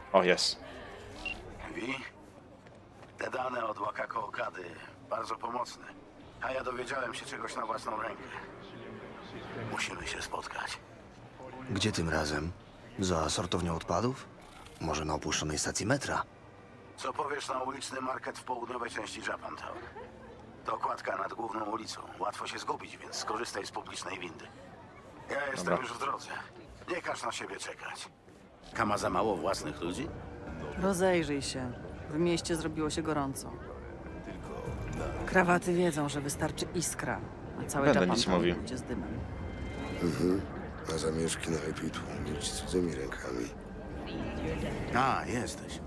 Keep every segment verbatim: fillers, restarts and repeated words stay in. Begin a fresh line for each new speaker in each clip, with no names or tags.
O, jest.
Wi? Te dane od Wakako Okady bardzo pomocne. A ja dowiedziałem się czegoś na własną rękę. Musimy się spotkać.
Gdzie tym razem? Za sortownią odpadów? Może na opuszczonej stacji metra?
Co powiesz na uliczny market w południowej części Japantown? To kładka nad główną ulicą. Łatwo się zgubić, więc skorzystaj z publicznej windy. Ja jestem
Dobra.
już w drodze. Nie każ na siebie czekać. Kama za mało własnych ludzi?
Rozejrzyj się. W mieście zrobiło się gorąco. Krawaty wiedzą, że wystarczy iskra, a cały
Będę
Japan
nic
tam
mówił.
pójdzie z dymem.
Mhm. Na zamieszki najlepiej tłumić cudzymi rękami.
A, jesteś.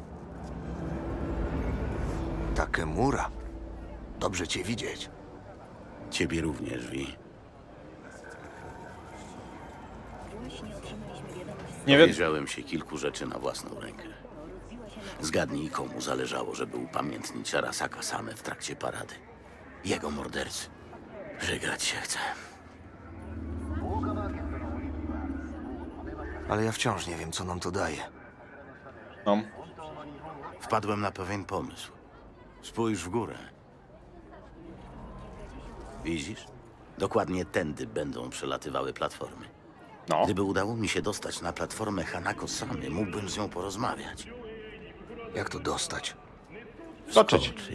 Takemura. Dobrze cię widzieć.
Ciebie również, Wi.
Nie wiem.
Dowiedziałem się kilku rzeczy na własną rękę. Zgadnij, komu zależało, żeby upamiętnić Arasaka Same w trakcie parady. Jego mordercy. Żegrać się chce.
Ale ja wciąż nie wiem, co nam to daje.
No.
Wpadłem na pewien pomysł. Spójrz w górę. Widzisz? Dokładnie tędy będą przelatywały platformy.
No.
Gdyby udało mi się dostać na platformę Hanako Samy, mógłbym z nią porozmawiać.
Jak to dostać?
Skoczyć.
Skoczyć.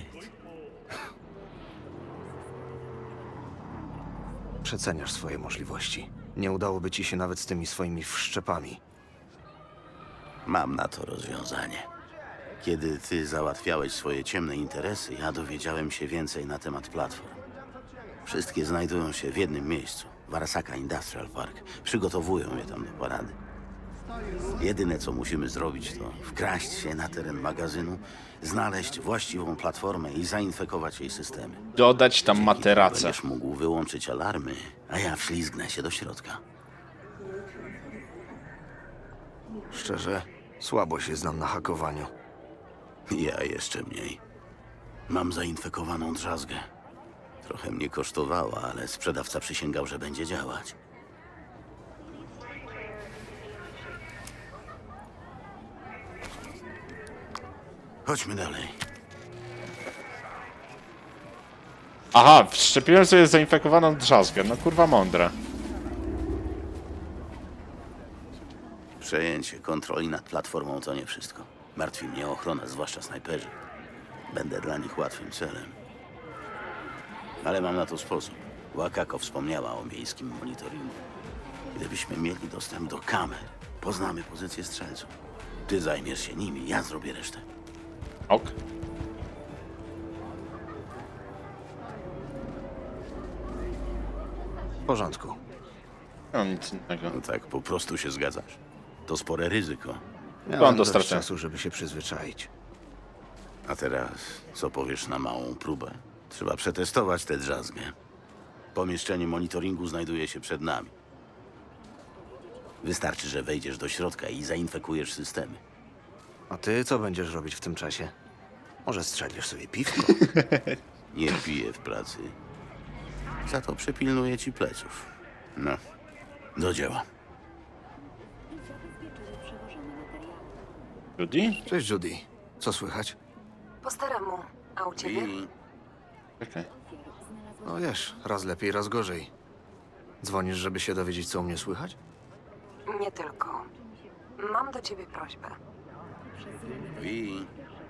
Przeceniasz swoje możliwości. Nie udałoby ci się nawet z tymi swoimi wszczepami.
Mam na to rozwiązanie. Kiedy ty załatwiałeś swoje ciemne interesy, ja dowiedziałem się więcej na temat platform. Wszystkie znajdują się w jednym miejscu, w Arasaka Industrial Park. Przygotowują je tam do parady. Jedyne, co musimy zrobić, to wkraść się na teren magazynu, znaleźć właściwą platformę i zainfekować jej systemy.
Dodać tam
Dzięki
materace.
temu Będziesz mógł wyłączyć alarmy, a ja wślizgnę się do środka.
Szczerze, słabo się znam na hakowaniu.
Ja jeszcze mniej. Mam zainfekowaną drzazgę. Trochę mnie kosztowała, ale sprzedawca przysięgał, że będzie działać. Chodźmy dalej.
Aha, wszczepiłem sobie zainfekowaną drzazgę. No kurwa mądre.
Przejęcie kontroli nad platformą to nie wszystko. Martwi mnie ochrona, zwłaszcza snajperzy. Będę dla nich łatwym celem. Ale mam na to sposób. Wakako wspomniała o miejskim monitoringu. Gdybyśmy mieli dostęp do kamer, poznamy pozycję strzelców. Ty zajmiesz się nimi, ja zrobię resztę.
Ok.
W porządku.
Nie mam nic innego.
No tak, po prostu się zgadzasz. To spore ryzyko.
Miałem
do
dość
stracenia.
czasu, żeby się przyzwyczaić.
A teraz, co powiesz na małą próbę? Trzeba przetestować tę drzazgę. Pomieszczenie monitoringu znajduje się przed nami. Wystarczy, że wejdziesz do środka i zainfekujesz systemy.
A ty co będziesz robić w tym czasie? Może strzelisz sobie piwko?
Nie piję w pracy. Za to przypilnuję ci pleców. No, do dzieła.
Judy?
Cześć, Judy. Co słychać?
Po staremu. A u ciebie?
I
Okej.
No wiesz, raz lepiej, raz gorzej. Dzwonisz, żeby się dowiedzieć, co u mnie słychać?
Nie tylko. Mam do ciebie prośbę.
I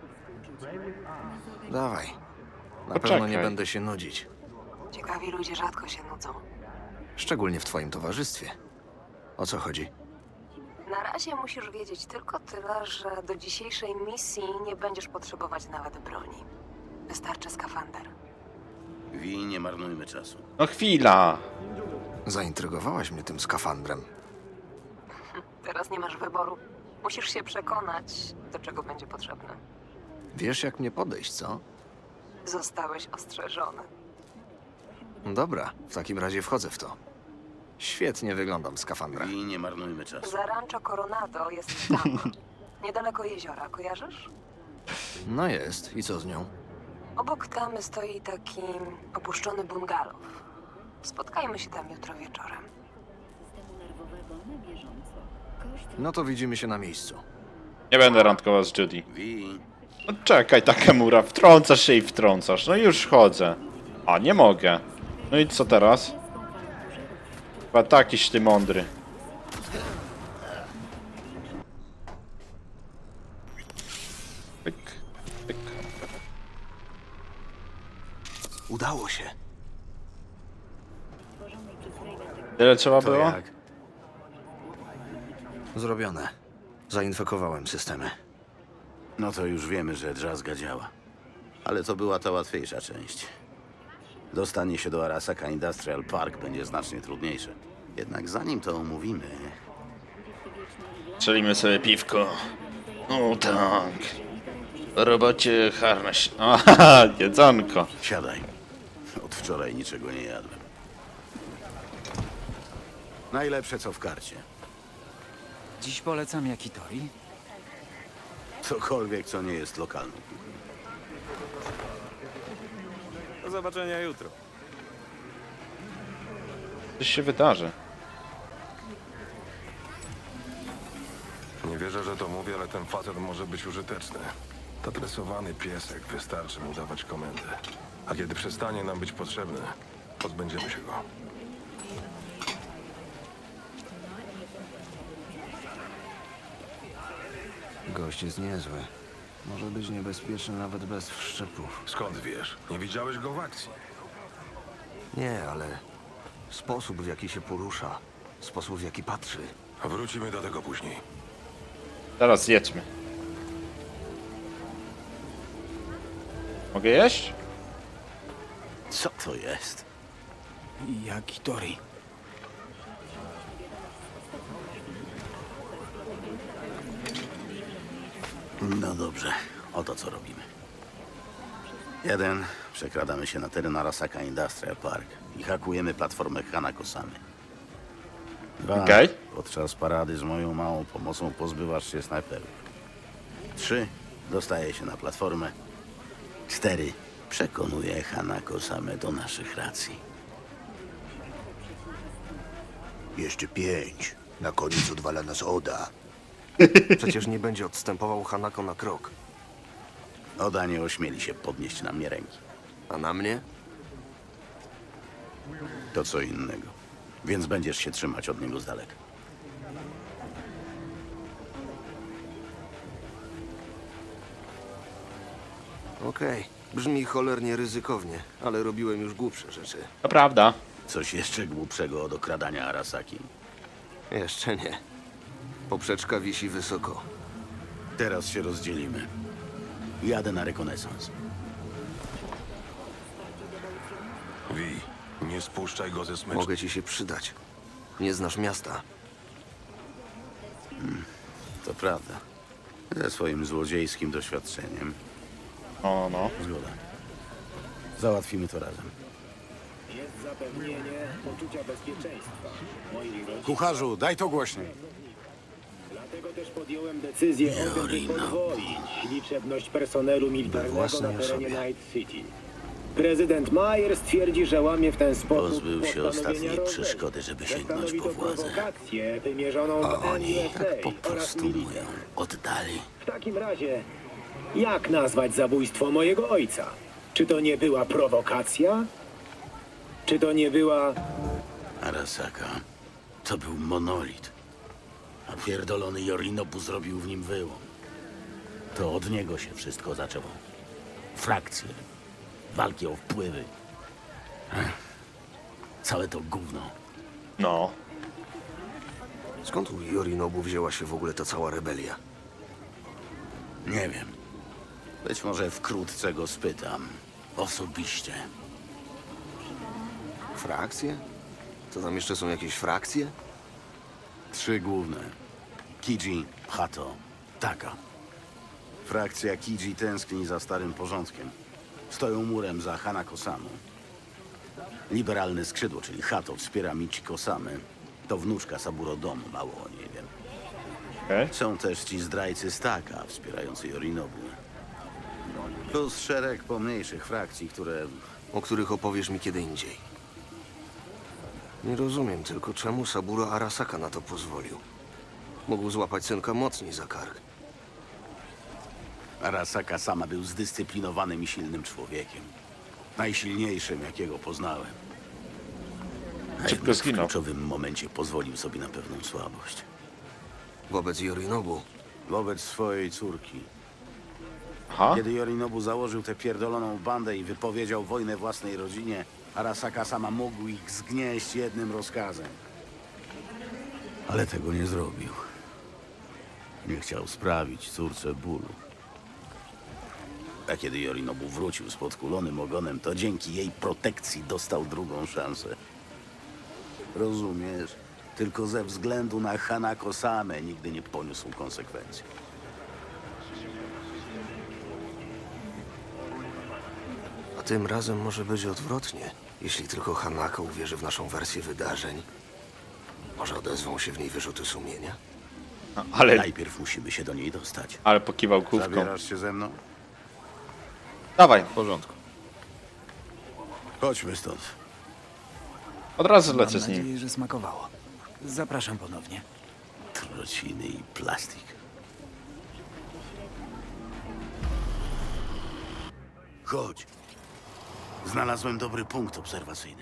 Dawaj. Na
Poczekaj.
pewno nie będę się nudzić.
Ciekawi ludzie rzadko się nudzą.
Szczególnie w twoim towarzystwie. O co chodzi?
Na razie musisz wiedzieć tylko tyle, że do dzisiejszej misji nie będziesz potrzebować nawet broni. Wystarczy skafander.
Wi, nie marnujmy czasu.
No chwila.
Zaintrygowałaś mnie tym skafandrem.
Teraz nie masz wyboru. Musisz się przekonać, do czego będzie potrzebne.
Wiesz, jak mnie podejść, co?
Zostałeś ostrzeżony.
Dobra, w takim razie wchodzę w to. Świetnie wyglądam w skafandrach.
Wi, nie marnujmy czasu.
Za Rancho Coronado jest tam. Niedaleko jeziora, kojarzysz?
No jest. I co z nią?
Obok tamy stoi taki opuszczony bungalow. Spotkajmy się tam jutro wieczorem.
No to widzimy się na miejscu.
Nie będę randkował z Judy.
Wi,
No czekaj, Takemura, wtrącasz się i wtrącasz. No już chodzę. A, nie mogę. No i co teraz? Chyba takiś ty mądry. Pyk, pyk.
Udało się.
Tyle trzeba
to
było?
jak?
Zrobione. Zainfekowałem systemy.
No to już wiemy, że drzazga działa. Ale to była ta łatwiejsza część. Dostanie się do Arasaka Industrial Park będzie znacznie trudniejsze. Jednak zanim to omówimy,
Strzelimy sobie piwko. No tak. W robocie harnaś. Aha, jedzonko.
siadaj. Od wczoraj niczego nie jadłem. Najlepsze co w karcie.
Dziś polecam Yakitori.
Cokolwiek, co nie jest lokalną.
Do zobaczenia jutro.
Coś się wydarzy.
Nie wierzę, że to mówię, ale ten facet może być użyteczny. Zatresowany piesek, wystarczy mu dawać komendę. A kiedy przestanie nam być potrzebny, pozbędziemy się go.
Gość jest niezły. Może być niebezpieczny nawet bez wszczepów.
Skąd wiesz? Nie widziałeś go w akcji.
Nie, ale sposób, w jaki się porusza, sposób, w jaki patrzy.
Wrócimy do tego później.
Teraz jedźmy. Mogę jeść?
Co to jest?
Yakitori.
No dobrze, oto co robimy. Jeden, przekradamy się na teren Arasaka Industrial Park i hakujemy platformę Hanako-samy. Dwa,
Okej.
podczas parady z moją małą pomocą pozbywasz się snajperów. Trzy, dostaje się na platformę. Cztery, przekonuje Hanako-samę do naszych racji.
Jeszcze pięć. Na koniec odwala nas Oda.
Przecież nie będzie odstępował Hanako na krok.
Oda nie ośmieli się podnieść na mnie ręki.
A na mnie?
To co innego. Więc będziesz się trzymać od niego z daleka.
Okej. Brzmi cholernie ryzykownie, ale robiłem już głupsze rzeczy.
To prawda.
Coś jeszcze głupszego od okradania Arasaki.
Jeszcze nie. Poprzeczka wisi wysoko.
Teraz się rozdzielimy. Jadę na rekonesans.
Wi, nie spuszczaj go ze smyczki.
Mogę ci się przydać. Nie znasz miasta.
To prawda. Ze swoim złodziejskim doświadczeniem.
O no.
Zgoda. Załatwimy to razem.
Zapewnienie poczucia bezpieczeństwa moich rodzin.
Kucharzu, daj to głośniej.
Dlatego też podjąłem decyzję o tym, by podwoić liczebność personelu militarnego na
własnej
terenie
osobie.
Night City. Prezydent Myers twierdzi, że łamie w ten sposób
Pozbył się
postanowienia
ostatniej
Rose'a.
przeszkody, żeby sięgnąć
Stanowi
po
to
władzę.
prowokację wymierzoną
A
w
oni
N S A
tak po
oraz
prostu mu
milicję.
ją oddali.
W takim razie, jak nazwać zabójstwo mojego ojca? Czy to nie była prowokacja? Czy to nie była...
Arasaka to był monolit. A pierdolony Yorinobu zrobił w nim wyłom. To od niego się wszystko zaczęło. Frakcje, walki o wpływy. Ech. Całe to gówno.
No.
Skąd u Yorinobu wzięła się w ogóle ta cała rebelia?
Nie wiem. Być może wkrótce go spytam. Osobiście.
Frakcje? To tam jeszcze są jakieś frakcje?
Trzy główne. Kiji, Hato, Taka. Frakcja Kiji tęskni za starym porządkiem. Stoją murem za Hanako-samą. Liberalne skrzydło, czyli Hato, wspiera Michiko-samę. To wnuczka Saburo Domu, mało o niej wiem.
Okej.
Są też ci zdrajcy z Taka, wspierający Yorinobu. Plus szereg pomniejszych frakcji, które...
O których opowiesz mi kiedy indziej. Nie rozumiem tylko, czemu Saburo Arasaka na to pozwolił. Mógł złapać synka mocniej za kark.
Arasaka sama był zdyscyplinowanym i silnym człowiekiem. Najsilniejszym, jakiego poznałem. A
Szybko
jednak w
zginął.
kluczowym momencie pozwolił sobie na pewną słabość.
Wobec Yorinobu.
Wobec swojej córki.
Aha.
Kiedy Yorinobu założył tę pierdoloną bandę i wypowiedział wojnę własnej rodzinie, Arasaka sama mógł ich zgnieść jednym rozkazem. Ale tego nie zrobił. Nie chciał sprawić córce bólu. A kiedy Yorinobu wrócił z podkulonym ogonem, to dzięki jej protekcji dostał drugą szansę. Rozumiesz? Tylko ze względu na Hanako same nigdy nie poniósł konsekwencji.
A tym razem może być odwrotnie. Jeśli tylko Hanako uwierzy w naszą wersję wydarzeń, może odezwą się w niej wyrzuty sumienia?
Ale,
Najpierw musimy się do niej dostać.
ale pokiwał główką.
Zabierasz się ze mną?
Dawaj, w porządku.
Chodźmy stąd.
Od razu
Mam
lecę z nim.
nadzieję, że smakowało. Zapraszam ponownie.
Trociny i plastik. Chodź. Znalazłem dobry punkt obserwacyjny.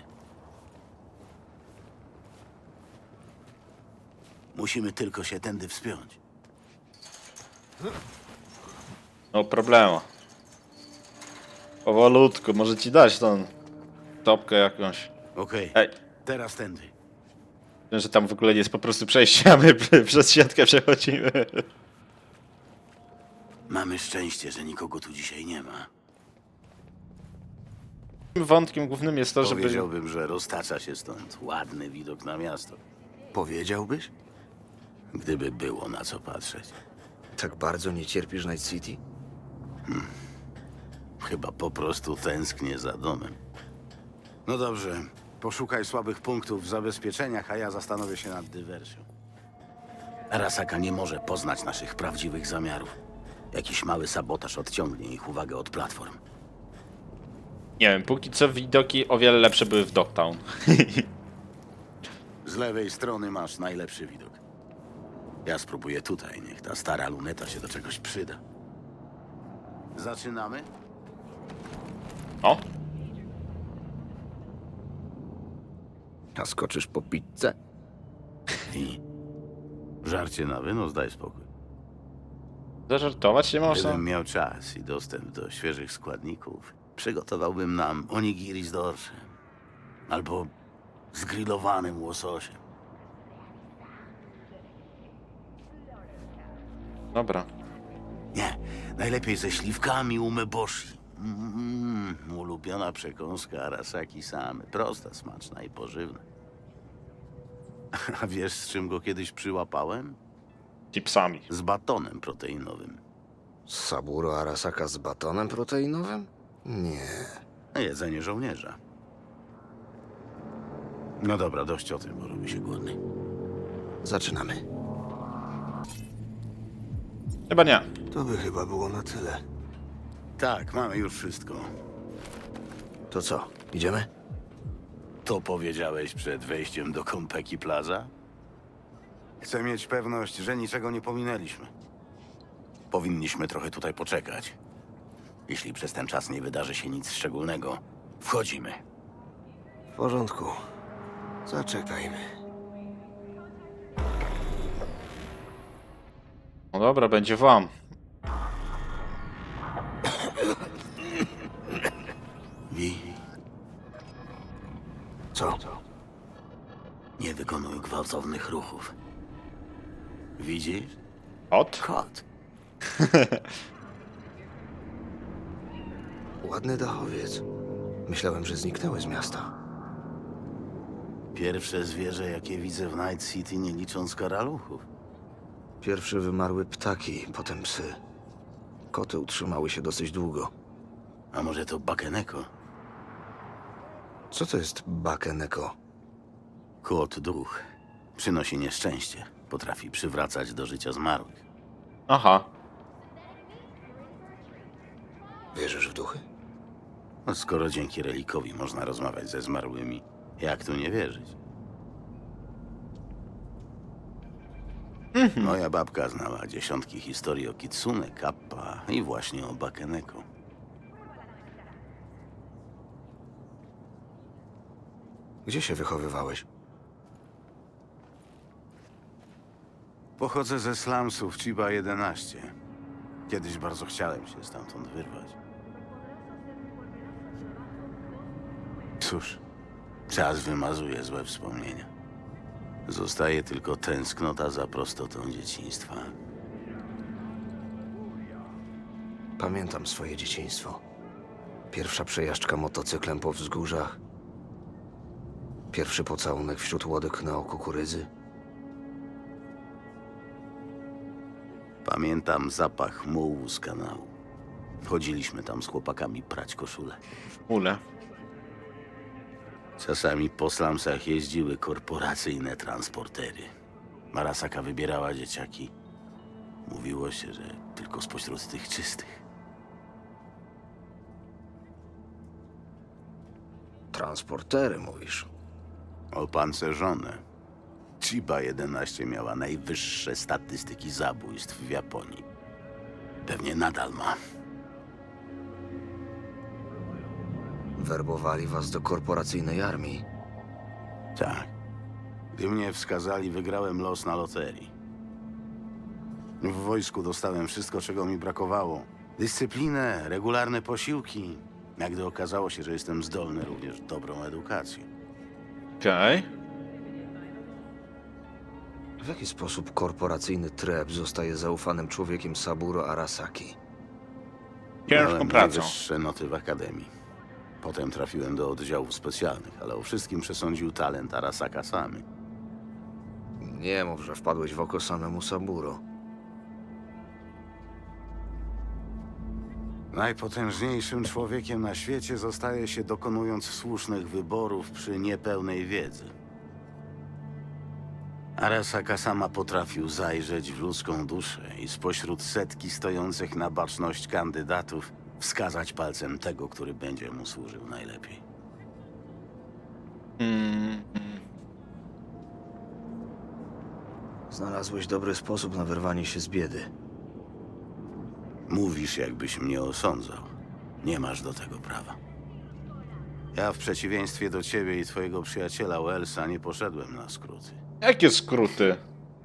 Musimy tylko się tędy wspiąć.
No problemu. Powolutku, może ci dać tą topkę jakąś.
Okej,
Ej,
teraz tędy.
wiem, że tam w ogóle nie jest po prostu przejście, a my przez siatkę przechodzimy.
Mamy szczęście, że nikogo tu dzisiaj nie ma.
Wątkiem głównym jest to, żeby...
Powiedziałbym, że roztacza się stąd ładny widok na miasto.
Powiedziałbyś?
Gdyby było na co patrzeć.
Tak bardzo nie cierpisz Night City?
Chyba po prostu tęsknię za domem. No dobrze, poszukaj słabych punktów w zabezpieczeniach, a ja zastanowię się nad dywersją. Arasaka nie może poznać naszych prawdziwych zamiarów. Jakiś mały sabotaż odciągnie ich uwagę od platform.
Nie wiem, póki co widoki o wiele lepsze były w Dogtown.
Z lewej strony masz najlepszy widok. Ja spróbuję tutaj, niech ta stara luneta się do czegoś przyda. Zaczynamy?
O,
A skoczysz po pizzę?
I żarcie na wynos, daj spokój.
zażartować nie można?
Gdybym miał czas i dostęp do świeżych składników, przygotowałbym nam onigiri z dorszem. Albo z grillowanym łososiem.
Dobra.
Nie, najlepiej ze śliwkami umeboshi. Mm, ulubiona przekąska Arasaki same. Prosta, smaczna i pożywna. A wiesz, z czym go kiedyś przyłapałem?
Chipsami.
Z batonem proteinowym.
Saburo Arasaka z batonem proteinowym? Nie.
Jedzenie żołnierza. No dobra, dość o tym, bo robi się głodny.
Zaczynamy.
Chyba nie.
To by chyba było na tyle.
Tak, mamy już wszystko.
To co, idziemy?
To powiedziałeś przed wejściem do Konpeki Plaza? Chcę mieć pewność, że niczego nie pominęliśmy. Powinniśmy trochę tutaj poczekać. Jeśli przez ten czas nie wydarzy się nic szczególnego, wchodzimy.
W porządku. Zaczekajmy.
No dobra, będzie wam.
Wi,
Co?
nie wykonuj gwałtownych ruchów. Widzisz?
Od?
Kot.
Ładny dachowiec. Myślałem, że zniknęły z miasta.
Pierwsze zwierzę, jakie widzę w Night City, nie licząc karaluchów.
Pierwsze wymarły ptaki, potem psy. Koty utrzymały się dosyć długo.
A może to Bakeneko?
Co to jest Bakeneko?
Kot duch. Przynosi nieszczęście. Potrafi przywracać do życia zmarłych.
Aha.
Wierzysz w duchy?
No, skoro dzięki relikowi można rozmawiać ze zmarłymi, jak tu nie wierzyć? Moja babka znała dziesiątki historii o Kitsune, Kappa i właśnie o Bakeneko.
Gdzie się wychowywałeś?
Pochodzę ze slumsów Chiba jedenaście. Kiedyś bardzo chciałem się stamtąd wyrwać. Cóż, czas wymazuje złe wspomnienia. Zostaje tylko tęsknota za prostotą dzieciństwa.
Pamiętam swoje dzieciństwo. Pierwsza przejażdżka motocyklem po wzgórzach. Pierwszy pocałunek wśród łodek na kukurydzy.
Pamiętam zapach mułu z kanału. Chodziliśmy tam z chłopakami prać koszule.
Ule.
Czasami po slumsach jeździły korporacyjne transportery. Arasaka wybierała dzieciaki. Mówiło się, że tylko spośród tych czystych.
Transportery, mówisz?
Opancerzone. Chiba jedenaście miała najwyższe statystyki zabójstw w Japonii. Pewnie nadal ma.
Werbowali was do korporacyjnej armii.
Tak. Gdy mnie wskazali, wygrałem los na loterii. W wojsku dostałem wszystko, czego mi brakowało. Dyscyplinę, regularne posiłki. A gdy okazało się, że jestem zdolny, również dobrą edukację.
Okej.
W jaki sposób korporacyjny treb zostaje zaufanym człowiekiem Saburo Arasaki?
Ciężką
Miałem
pracą.
najwyższe noty w akademii. Potem trafiłem do oddziałów specjalnych, ale o wszystkim przesądził talent Arasaka samy.
Nie mów, że wpadłeś w oko samemu Saburo.
Najpotężniejszym człowiekiem na świecie zostaje się dokonując słusznych wyborów przy niepełnej wiedzy. Arasaka sama potrafił zajrzeć w ludzką duszę i spośród setki stojących na baczność kandydatów wskazać palcem tego, który będzie mu służył najlepiej.
Mm,
Znalazłeś dobry sposób na wyrwanie się z biedy.
Mówisz, jakbyś mnie osądzał. Nie masz do tego prawa. Ja w przeciwieństwie do ciebie i twojego przyjaciela Wellsa nie poszedłem na skróty.
jakie skróty?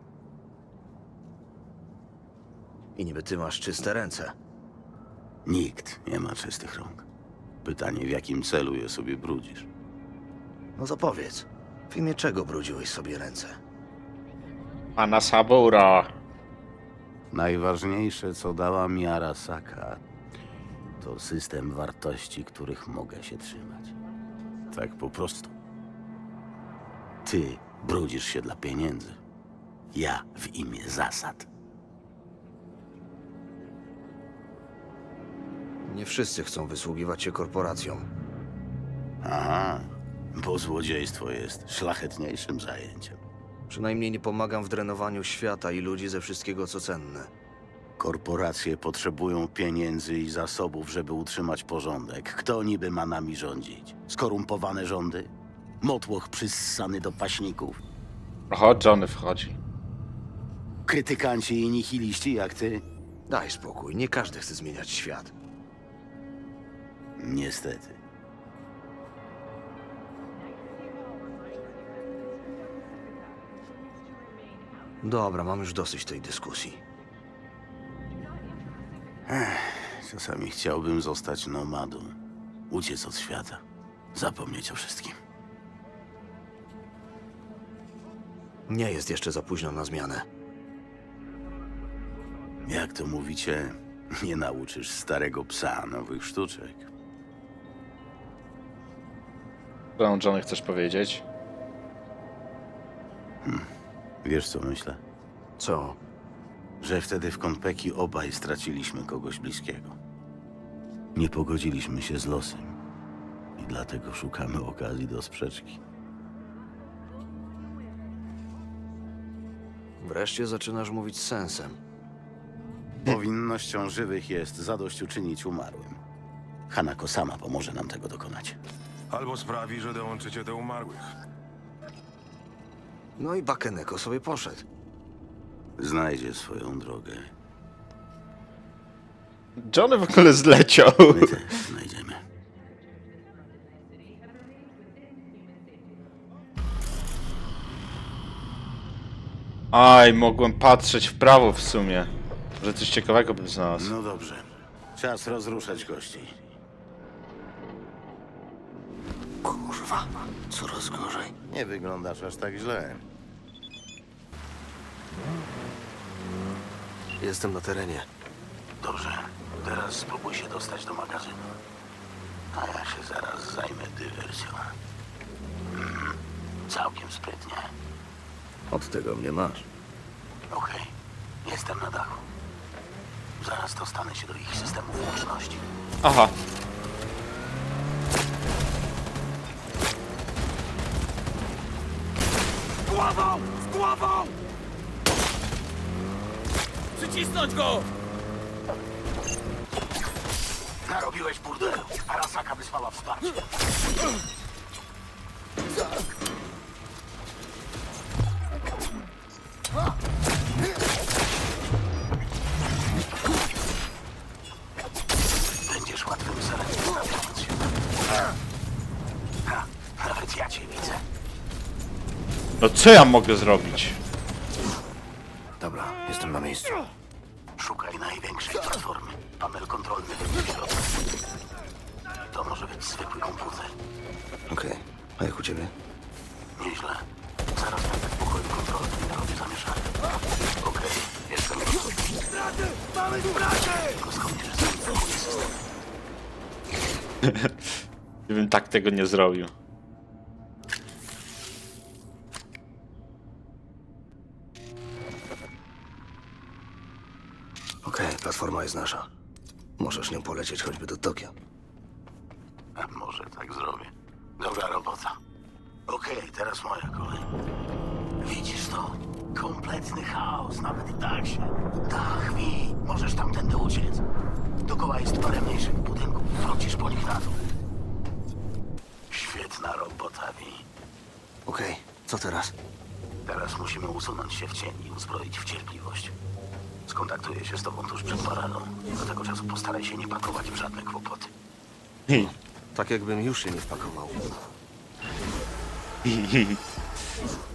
I niby ty masz czyste ręce.
Nikt nie ma czystych rąk. Pytanie, w jakim celu je sobie brudzisz?
No to powiedz, w imię czego brudziłeś sobie ręce?
Pana Sabura.
Najważniejsze, co dała mi Arasaka, to system wartości, których mogę się trzymać. Tak po prostu. Ty brudzisz się dla pieniędzy. Ja w imię zasad.
Nie wszyscy chcą wysługiwać się korporacjom.
Aha, bo złodziejstwo jest szlachetniejszym zajęciem.
Przynajmniej nie pomagam w drenowaniu świata i ludzi ze wszystkiego, co cenne.
Korporacje potrzebują pieniędzy i zasobów, żeby utrzymać porządek. Kto niby ma nami rządzić? Skorumpowane rządy? Motłoch przyssany do paśników?
Oho, Johnny wchodzi.
Krytykanci i nihiliści jak ty?
Daj spokój, nie każdy chce zmieniać świat.
Niestety.
Dobra, mam już dosyć tej dyskusji.
Czasami chciałbym zostać nomadą. Uciec od świata. Zapomnieć o wszystkim.
Nie jest jeszcze za późno na zmianę.
Jak to mówicie, nie nauczysz starego psa nowych sztuczek.
Co Johnny chcesz powiedzieć?
Wiesz, co myślę?
Co?
Że wtedy w Konpeki obaj straciliśmy kogoś bliskiego. Nie pogodziliśmy się z losem. I dlatego szukamy okazji do sprzeczki.
Wreszcie zaczynasz mówić z sensem.
Powinnością żywych jest zadośćuczynić umarłym. Hanako sama pomoże nam tego dokonać.
Albo sprawi, że dołączycie do umarłych.
No i Bakeneko sobie poszedł.
znajdzie swoją drogę.
Johnny w ogóle zleciał.
My też znajdziemy.
Aj, mogłem patrzeć w prawo w sumie. Że coś ciekawego bym znalazł.
No dobrze. Czas rozruszać kości.
Kurwa, coraz gorzej.
Nie wyglądasz aż tak źle.
Jestem na terenie.
Dobrze. Teraz spróbuj się dostać do magazynu. A ja się zaraz zajmę dywersją. Mm, całkiem sprytnie.
Od tego mnie masz.
Okej. Jestem na dachu. Zaraz dostanę się do ich systemów łączności.
Aha.
Z głową! Z głową! Przycisnąć go!
Narobiłeś burdelu. Arasaka wysłała wsparcie. Będziesz łatwym celem, wystawiając się. Ha, nawet ja cię widzę.
No co ja mogę zrobić?
Dobra, jestem na miejscu.
Szukaj największej platformy. Panel kontrolny będzie w środku. To może być zwykły komputer.
Okej, a jak u ciebie?
Nieźle. Zaraz będę w pokoju kontrolnym i robię zamieszanie. Okej, jestem gotowy.
Mamy zbraty!
Tylko skąd że zainteresuje system?
Gdybym tak tego nie zrobił.
Okej, platforma jest nasza. Możesz nią polecieć choćby do Tokio.
A może tak zrobię. Dobra robota. Okej, teraz moja kolej. Widzisz to? Kompletny chaos, nawet tak się. Dach, wi, możesz tamtędy uciec. Dookoła jest parę mniejszych budynków. Wrócisz po nich na dół. Świetna robota, wi.
Okej, co teraz?
Teraz musimy usunąć się w cień i uzbroić w cierpliwość. Skontaktuję się z tobą tuż przed paradą. Do tego czasu postaraj się nie pakować w żadne kłopoty.
Tak jakbym już się nie wpakował.